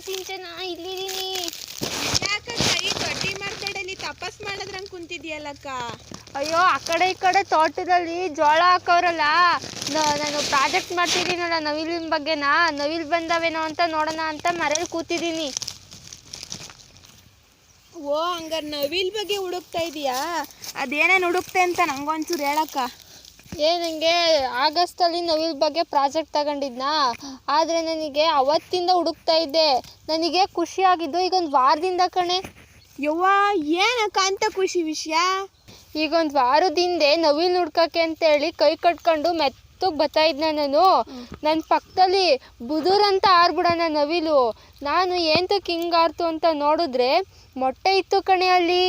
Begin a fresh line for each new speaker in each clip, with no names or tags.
ಸಿಂಚನ, ಇಲ್ಲಿದ್ದೀನಿ.
ಯಾಕಕ್ಕ ಈ ದೊಡ್ಡಿ ಮರದಡಲ್ಲಿ ತಪಸ್ ಮಾಡೋದ್ರಂಗೆ ಕುಂತಿದ್ಯಲ್ಲಕ್ಕ?
ಅಯ್ಯೋ, ಆ ಕಡೆ ಈ ಕಡೆ ತೋಟದಲ್ಲಿ ಜೋಳ ಹಾಕೋರಲ್ಲ, ನಾನು ಪ್ರಾಜೆಕ್ಟ್ ಮಾಡ್ತಿದ್ದೀನಲ್ಲ ನವಿಲಿನ ಬಗ್ಗೆನಾ, ನವಿಲ್ ಬಂದವೇನೋ ಅಂತ ನೋಡೋಣ ಅಂತ ಮರೇಲಿ ಕೂತಿದ್ದೀನಿ.
ಓ, ಹಂಗಾರೆ ನವಿಲ್ ಬಗ್ಗೆ ಹುಡುಕ್ತಾ ಇದೀಯಾ? ಅದೇನೇನು ಹುಡುಕ್ತೆ ಅಂತ ನಂಗೊಂಚೂರು ಹೇಳಕ್ಕ.
ನನಗೆ ಆಗಸ್ಟಲ್ಲಿ ನವಿಲ್ ಬಗ್ಗೆ ಪ್ರಾಜೆಕ್ಟ್ ತಗೊಂಡಿದ್ನಾ, ಆದರೆ ನನಗೆ ಅವತ್ತಿಂದ ಹುಡುಕ್ತಾ ಇದ್ದೆ. ನನಗೆ ಖುಷಿಯಾಗಿದ್ದು ಈಗ ಒಂದು ವಾರದಿಂದ ಕಣೆ.
ಯವ್ವ, ಏನಕ್ಕ ಅಂತ ಖುಷಿ ವಿಷಯ?
ಈಗ ಒಂದು ವಾರದ ಹಿಂದೆ ನವಿಲ್ ಹುಡ್ಕಕ್ಕೆ ಅಂತೇಳಿ ಕೈ ಕಟ್ಕೊಂಡು ಮೆತ್ತಗೆ ಬರ್ತಾ ಇದ್ನ ನಾನು. ನನ್ನ ಪಕ್ಕದಲ್ಲಿ ಬುದುರಂತ ಆರ್ಬಿಡೋಣ ನವಿಲು. ನಾನು ಏಂತಕ್ಕೆ ಹಿಂಗಾರ್ತು ಅಂತ ನೋಡಿದ್ರೆ ಮೊಟ್ಟೆ ಇತ್ತು ಕಣೆ ಅಲ್ಲಿ.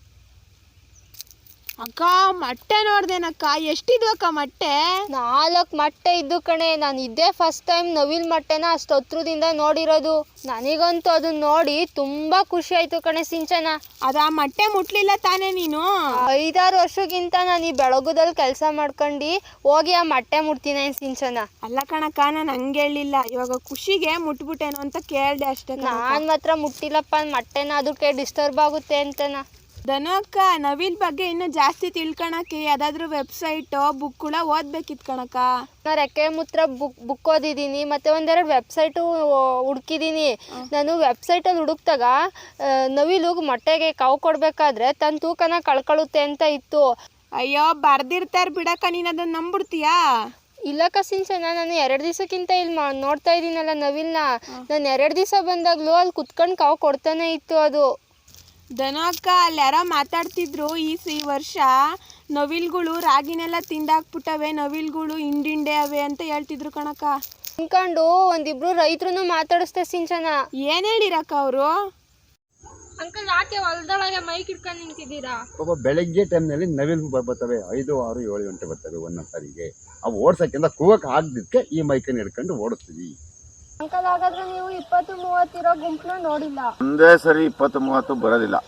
ಅಕ್ಕ, ಮೊಟ್ಟೆ ನೋಡ್ದೇನಕ್ಕ? ಎಷ್ಟಿದ್ವಕ್ಕ ಮೊಟ್ಟೆ?
4 ಮೊಟ್ಟೆ ಇದ್ದು ಕಣೆ. ನಾನು ಇದ್ದೇ ಫಸ್ಟ್ ಟೈಮ್ ನವಿಲ್ ಮೊಟ್ಟೆನ ಅಷ್ಟು ಹತ್ರದಿಂದ ನೋಡಿರೋದು. ನನಗಂತೂ ಅದನ್ನ ನೋಡಿ ತುಂಬ ಖುಷಿ ಆಯಿತು ಕಣೆ ಸಿಂಚನ.
ಅದು ಆ ಮೊಟ್ಟೆ ಮುಟ್ಲಿಲ್ಲ ತಾನೇ ನೀನು?
5-6 ವರ್ಷಕ್ಕಿಂತ ನಾನು ಈ ಬೆಳಗುದಲ್ಲಿ ಕೆಲಸ ಮಾಡ್ಕೊಂಡು ಹೋಗಿ ಆ ಮೊಟ್ಟೆ ಮುಟ್ತೀನಿ ಸಿಂಚನ.
ಅಲ್ಲ ಕಣಕ್ಕ, ನಾನು ಹಂಗೆ ಹೇಳಿಲ್ಲ. ಇವಾಗ ಖುಷಿಗೆ ಮುಟ್ಬಿಟ್ಟೇನೋ ಅಂತ ಕೇಳಿದೆ ಅಷ್ಟೇ.
ನಾನು ಮಾತ್ರ ಮುಟ್ಟಿಲ್ಲಪ್ಪ ಮೊಟ್ಟೆನ, ಅದಕ್ಕೆ ಡಿಸ್ಟರ್ಬ್ ಆಗುತ್ತೆ ಅಂತನ.
ಧನು ಅಕ್ಕ, ನವಿಲ್ ಬಗ್ಗೆ ಇನ್ನೂ ಜಾಸ್ತಿ ತಿಳ್ಕೊಳಕ್ಕೆ ಯಾವುದಾದ್ರೂ ವೆಬ್ಸೈಟು ಬುಕ್ಗಳ ಓದ್ಬೇಕಿತ್ತು ಕಣಕ್ಕ.
ನಾನು ರೆಕ್ಕೆ ಮುತ್ರ ಬುಕ್ ಓದಿದ್ದೀನಿ, ಮತ್ತು ಒಂದೆರಡು ವೆಬ್ಸೈಟು ಹುಡುಕಿದ್ದೀನಿ. ನಾನು ವೆಬ್ಸೈಟಲ್ಲಿ ಹುಡುಕ್ದಾಗ ನವಿಲು ಮೊಟ್ಟೆಗೆ ಕಾವು ಕೊಡಬೇಕಾದ್ರೆ ತನ್ನ ತೂಕನ ಕಳ್ಕೊಳ್ಳುತ್ತೆ ಅಂತ ಇತ್ತು.
ಅಯ್ಯೋ, ಬರ್ದಿರ್ತಾರೆ ಬಿಡಕ್ಕ, ನೀನು ಅದನ್ನು ನಂಬಿಡ್ತೀಯಾ?
ಇಲ್ಲಕ್ಕ ಸಿಂಚನ, ನಾನು 2 ದಿವಸಕ್ಕಿಂತ ಇಲ್ಲಿ ನೋಡ್ತಾ ಇದ್ದೀನಲ್ಲ ನವಿಲ್ನ. ನಾನು 2 ದಿವಸ ಬಂದಾಗಲೂ ಅಲ್ಲಿ ಕುತ್ಕೊಂಡು ಕಾವು ಕೊಡ್ತಾನೆ ಇತ್ತು ಅದು.
ಧನು ಅಕ್ಕ, ಅಲ್ಲಿ ಯಾರೋ ಮಾತಾಡ್ತಿದ್ರು, ಈ ವರ್ಷ ನವಿಲ್ಗಳು ರಾಗಿನೆಲ್ಲ ತಿಂದಾಕ್ಬಿಟ್ಟವೆ, ನವಿಲ್ಗಳು ಹಿಂಡಿಂಡೆ ಅವೆ ಅಂತ ಹೇಳ್ತಿದ್ರು ಕಣಕ್ಕ.
ಅನ್ಕೊಂಡು ಒಂದಿಬ್ರು ರೈತರು ಮಾತಾಡಿಸ್ತೆ ಸಿಂಚನ.
ಏನು ಹೇಳಿರಕ್ಕ ಅವರು?
ಅಂಕಲ್, ಯಾಕೆ ಹೊಲದೊಳಗೆ ಮೈಕ್ ಇಟ್ಕೊಂಡು ನಿಂತಿದ್ದೀರಾ?
ಬೆಳಗ್ಗೆ ಟೈಮ್ನಲ್ಲಿ ನವಿಲು ಬರ್ತವೆ, 5, 6, 7 ಗಂಟೆ ಬರ್ತವೆ ಒಂದೊಂದು ಸಾರಿಗೆ. ಅವು ಓಡ್ಸೋಕ್ಕಿಂತ ಕೂಗಕ್ಕೆ ಆಗದಿದ್ದಕ್ಕೆ ಈ ಮೈಕನ್ನು ಹಿಡ್ಕೊಂಡು ಓಡಿಸ್ತೀವಿ.
ಅಂಕಲ್, ಹಾಗಾದ್ರೆ ನೀವು 20-30 ಇರೋ ಗುಂಪನ್ನ ನೋಡಿಲ್ಲ?
ಒಂದೇ ಸರಿ 20-30 ಬರೋದಿಲ್ಲ.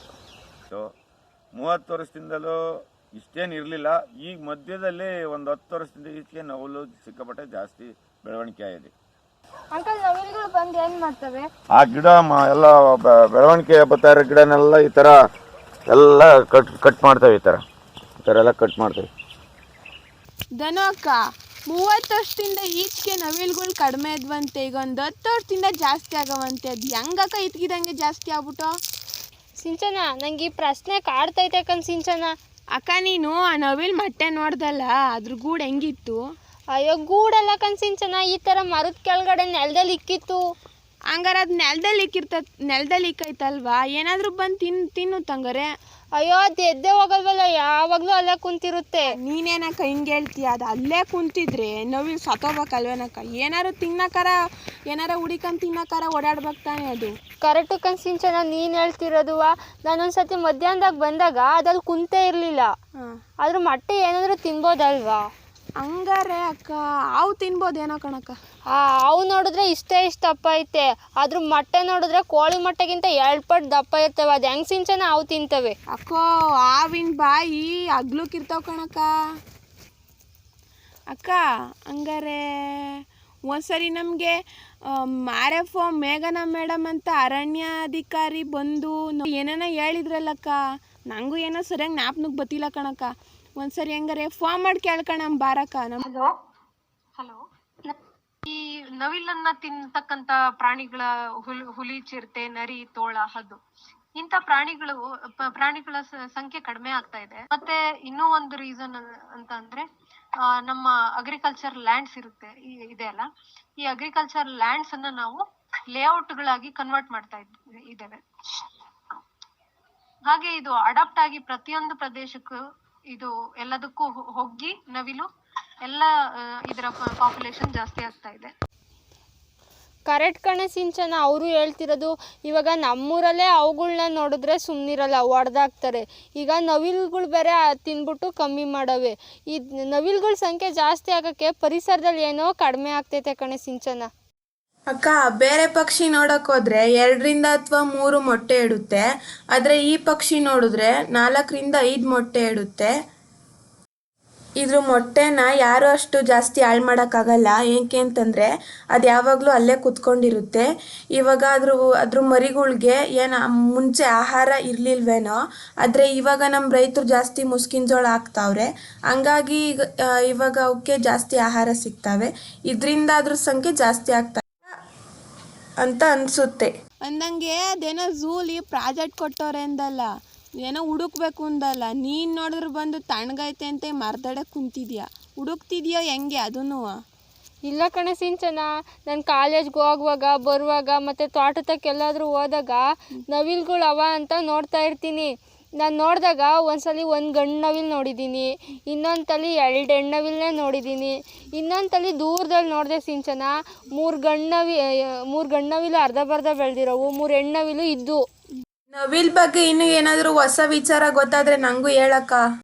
30 ವರ್ಷದಿಂದಲೂ ಇಷ್ಟೇನು ಇರಲಿಲ್ಲ. ಈಗ ಮಧ್ಯದಲ್ಲಿ ಒಂದು 10 ವರ್ಷದಿಂದ ಈಚೆಗೆ ನವಿಲು ಸಿಕ್ಕಾಪಟ್ಟೆ ಜಾಸ್ತಿ ಬೆಳವಣಿಗೆ ಆಗಿದೆ.
ಅಂಕಲ್, ನವಿಲುಗಳು ಬಂದು ಏನು ಮಾಡ್ತವೆ?
ಆ ಗಿಡ ಎಲ್ಲ ಬೆಳವಣಿಗೆ ಬರ್ತಾ ಇರೋ ಗಿಡನೆಲ್ಲ ಈ ಥರ ಎಲ್ಲ ಕಟ್ ಮಾಡ್ತವೆ. ಈ ಥರ ಎಲ್ಲ ಕಟ್ ಮಾಡ್ತವೆ.
ಧನು ಅಕ್ಕ, 30 ವರ್ಷದಿಂದ ಈಚೆಗೆ ನವಿಲುಗಳು ಕಡಿಮೆ ಇದ್ವಂತೆ, ಈಗ ಒಂದು 10 ವರ್ಷದಿಂದ ಜಾಸ್ತಿ ಆಗವಂತೆ. ಅದು ಹೆಂಗಕ್ಕ ಇದ್ಕಿದಂಗೆ ಜಾಸ್ತಿ ಆಗ್ಬಿಟ್ಟು?
ಸಿಂಚನ, ನಂಗೆ ಈ ಪ್ರಶ್ನೆ ಕಾಡ್ತೈತೆ ಕಣ್ ಸಿಂಚನ.
ಅಕ್ಕ, ನೀನು ಆ ನವಿಲ್ ಮೊಟ್ಟೆ ನೋಡ್ದಲ್ಲ, ಅದ್ರ ಗೂಡು ಹೆಂಗಿತ್ತು?
ಅಯ್ಯೋ, ಗೂಡೆಲ್ಲ ಕಣ್ ಸಿಂಚನ, ಈ ಥರ ಮರದ ಕೆಳಗಡೆ ನೆಲದಲ್ಲಿ ಇಕ್ಕಿತ್ತು.
ಹಂಗಾರೆ ಅದು ನೆಲದಲ್ಲಿ ಇಕ್ಕೈತಲ್ವಾ? ಏನಾದರೂ ಬಂದು ತಿನ್ನು ತಂಗಾರೆ.
ಅಯ್ಯೋ, ಅದು ಎದ್ದೆ ಹೋಗಲ್ವಲ್ಲ, ಯಾವಾಗಲೂ ಅಲ್ಲೇ ಕುಂತಿರುತ್ತೆ.
ನೀನೇನಕ್ಕ ಹಿಂಗೆ ಹೇಳ್ತೀಯ? ಅದು ಅಲ್ಲೇ ಕುಂತಿದ್ರೆ ನವಿಲು ಸತ್ತೋಗ್ಬೇಕಲ್ವೇನಕ್ಕ? ಏನಾರು ತಿನ್ನಕ್ಕಾರ, ಏನಾರ ಹುಡಿಕೊಂಡು ತಿನ್ನಕ್ಕಾರ ಓಡಾಡ್ಬೇಕು ತಾನೆ ಅದು.
ಕರೆಕ್ಟು ಕಣ್ ಸಿಂಚನ, ನೀನು ಹೇಳ್ತಿರೋದುವ. ನಾನೊಂದ್ಸತಿ ಮಧ್ಯಾಹ್ನದಾಗ ಬಂದಾಗ ಅದಲ್ಲಿ ಕುಂತೇ ಇರಲಿಲ್ಲ. ಅದ್ರ ಮೊಟ್ಟೆ ಏನಾದರೂ ತಿನ್ಬೋದಲ್ವಾ?
ಹಂಗಾರೆ ಅಕ್ಕ, ಹಾವು ತಿನ್ಬೋದೇನೋ ಕಣಕ್ಕ.
ಹಾವು ನೋಡಿದ್ರೆ ಇಷ್ಟ ದಪ್ಪ ಐತೆ, ಅದ್ರ ಮೊಟ್ಟೆ ನೋಡಿದ್ರೆ ಕೋಳಿ ಮೊಟ್ಟೆಗಿಂತ 2 ಪಟ್ಟು ದಪ್ಪ ಇರ್ತವೆ. ಅದು ಹೆಂಗೆ ಸಿಂಚನ ಹಾವು ತಿಂತವೆ?
ಅಕ್ಕೋ, ಹಾವಿನ ಬಾಯಿ ಅಗ್ಲಕ್ಕಿರ್ತಾವ ಕಣಕ್ಕ. ಅಕ್ಕ, ಹಂಗಾರೆ ಒಂದ್ಸರಿ ನಮಗೆ RFO ಮೇಘನಾ ಮೇಡಮ್ ಅಂತ ಅರಣ್ಯಾಧಿಕಾರಿ ಬಂದು ಏನೇನೋ ಹೇಳಿದ್ರಲ್ಲಕ್ಕ, ನನಗೂ ಏನೋ ಸರಿಯಾಗಿ ಜ್ಞಾಪನಕ್ಕೆ ಬತ್ತಿಲ್ಲ ಕಣಕ್ಕ. ಒಂದ್ಸರಿ ಹೆಂಗಾರೆ ಫೋನ್ ಮಾಡಿ ಕೇಳ್ಕಣ ಬಾರಕ್ಕ.
ಹಲೋ, ಈ ನವಿಲನ್ನ ತಿನ್ನತಕ್ಕಂತ ಪ್ರಾಣಿಗಳ ಹುಲಿ, ಚಿರತೆ, ನರಿ, ತೋಳ, ಹದ್ದು, ಇಂಥ ಪ್ರಾಣಿಗಳ ಸಂಖ್ಯೆ ಕಡಿಮೆ ಆಗ್ತಾ ಇದೆ. ಮತ್ತೆ ಇನ್ನೂ ಒಂದು ರೀಸನ್ ಅಂತ ಅಂದ್ರೆ ನಮ್ಮ ಅಗ್ರಿಕಲ್ಚರ್ ಲ್ಯಾಂಡ್ಸ್ ಇದೆ ಅಲ್ಲ, ಈ ಅಗ್ರಿಕಲ್ಚರ್ ಲ್ಯಾಂಡ್ಸ್ ಅನ್ನ ನಾವು ಲೇಔಟ್ ಗಳಾಗಿ ಕನ್ವರ್ಟ್ ಮಾಡ್ತಾ ಇದ್ದೇವೆ. ಹಾಗೆ ಇದು ಅಡಾಪ್ಟ್ ಆಗಿ ಪ್ರತಿಯೊಂದು ಪ್ರದೇಶಕ್ಕೂ ಇದು ಎಲ್ಲದಕ್ಕೂ ಹೋಗಿ ನವಿಲು ಎಲ್ಲ ಇದರ ಪಾಪ್ಯುಲೇಷನ್ ಜಾಸ್ತಿ ಆಗ್ತಾ ಇದೆ.
ಕರೆಕ್ಟ್ ಕಣೆ ಸಿಂಚನ, ಅವರು ಹೇಳ್ತಿರೋದು. ಇವಾಗ ನಮ್ಮೂರಲ್ಲೇ ಅವುಗಳನ್ನ ನೋಡಿದ್ರೆ ಸುಮ್ಮನಿರಲ್ಲ, ಹೊಡೆದಾಕ್ತಾರೆ. ಈಗ ನವಿಲುಗಳು ಬೇರೆ ತಿನ್ಬಿಟ್ಟು ಕಮ್ಮಿ ಮಾಡವೆ. ಈ ನವಿಲುಗಳ ಸಂಖ್ಯೆ ಜಾಸ್ತಿ ಆಗೋಕ್ಕೆ ಪರಿಸರದಲ್ಲಿ ಏನೋ ಕಡಿಮೆ ಆಗ್ತೈತೆ ಕಣೆ ಸಿಂಚನ.
ಅಕ್ಕ, ಬೇರೆ ಪಕ್ಷಿ ನೋಡಕ್ ಹೋದ್ರೆ 2 ಅಥವಾ 3 ಮೊಟ್ಟೆ ಇಡುತ್ತೆ, ಆದ್ರೆ ಈ ಪಕ್ಷಿ ನೋಡಿದ್ರೆ 4 5 ಮೊಟ್ಟೆ ಇಡುತ್ತೆ. ಇದ್ರ ಮೊಟ್ಟೆನ ಯಾರು ಅಷ್ಟು ಜಾಸ್ತಿ ಹಾಳು ಮಾಡೋಕ್ಕಾಗಲ್ಲ. ಏಕೆ ಅಂತಂದರೆ ಅದು ಯಾವಾಗಲೂ ಅಲ್ಲೇ ಕುತ್ಕೊಂಡಿರುತ್ತೆ. ಇವಾಗ ಅದ್ರ ಮರಿಗಳ್ಗೆ ಏನು ಮುಂಚೆ ಆಹಾರ ಇರಲಿಲ್ವೇನೋ, ಆದರೆ ಇವಾಗ ನಮ್ಮ ರೈತರು ಜಾಸ್ತಿ ಮುಸ್ಕಿನ ಜೋಳ ಹಾಕ್ತಾವ್ರೆ. ಹಂಗಾಗಿ ಇವಾಗ ಅವಕ್ಕೆ ಜಾಸ್ತಿ ಆಹಾರ ಸಿಗ್ತವೆ. ಇದರಿಂದ ಅದ್ರ ಸಂಖ್ಯೆ ಜಾಸ್ತಿ ಆಗ್ತಾ ಅಂತ ಅನಿಸುತ್ತೆ. ಅಂದಂಗೆ ಅದೇನೋ ಝೂಲಿ ಪ್ರಾಜೆಕ್ಟ್ ಕೊಟ್ಟವ್ರೆ ಅಂದಲ್ಲ, ಏನೋ ಹುಡುಕ್ಬೇಕು ಅಂದಲ್ಲ. ನೀನು ನೋಡಿದ್ರೆ ಬಂದು ತಣ್ಣಗೈತೆ ಅಂತ ಮರ್ದಡೆ ಕುಂತಿದ್ಯಾ, ಹುಡುಕ್ತಿದ್ಯೋ ಹೆಂಗೆ ಅದನ್ನು?
ಇಲ್ಲ ಕಣೆ ಸಿಂಚನ, ನಾನು ಕಾಲೇಜ್ಗೆ ಹೋಗುವಾಗ ಬರುವಾಗ ಮತ್ತು ತೋಟದಕ್ಕೆಲ್ಲಾದರೂ ಹೋದಾಗ ನವಿಲುಗಳು ಅವ ಅಂತ ನೋಡ್ತಾ ಇರ್ತೀನಿ. ನಾನು ನೋಡಿದಾಗ ಒಂದ್ಸಲಿ ಒಂದು ಗಂಡು ನವಿಲು ನೋಡಿದ್ದೀನಿ, ಇನ್ನೊಂದು ತಲೆ 2 ಹೆಣ್ಣುನವಿಲನ್ನೇ ನೋಡಿದ್ದೀನಿ, ಇನ್ನೊಂದು ತಲೆ ದೂರದಲ್ಲಿ ನೋಡಿದೆ ಸಿಂಚನ. 3 ಗಂಡು ನವಿಲು ಅರ್ಧಬರ್ಧ ಬೆಳೆದಿರೋವು, 3 ಹೆಣ್ಣುನವಿಲು ಇದ್ದು.
ನವಿಲ್ ಬಗ್ಗೆ ಇನ್ನೂ ಏನಾದರೂ ಹೊಸ ವಿಚಾರ ಗೊತ್ತಾದರೆ ನನಗೂ ಹೇಳಕ್ಕ.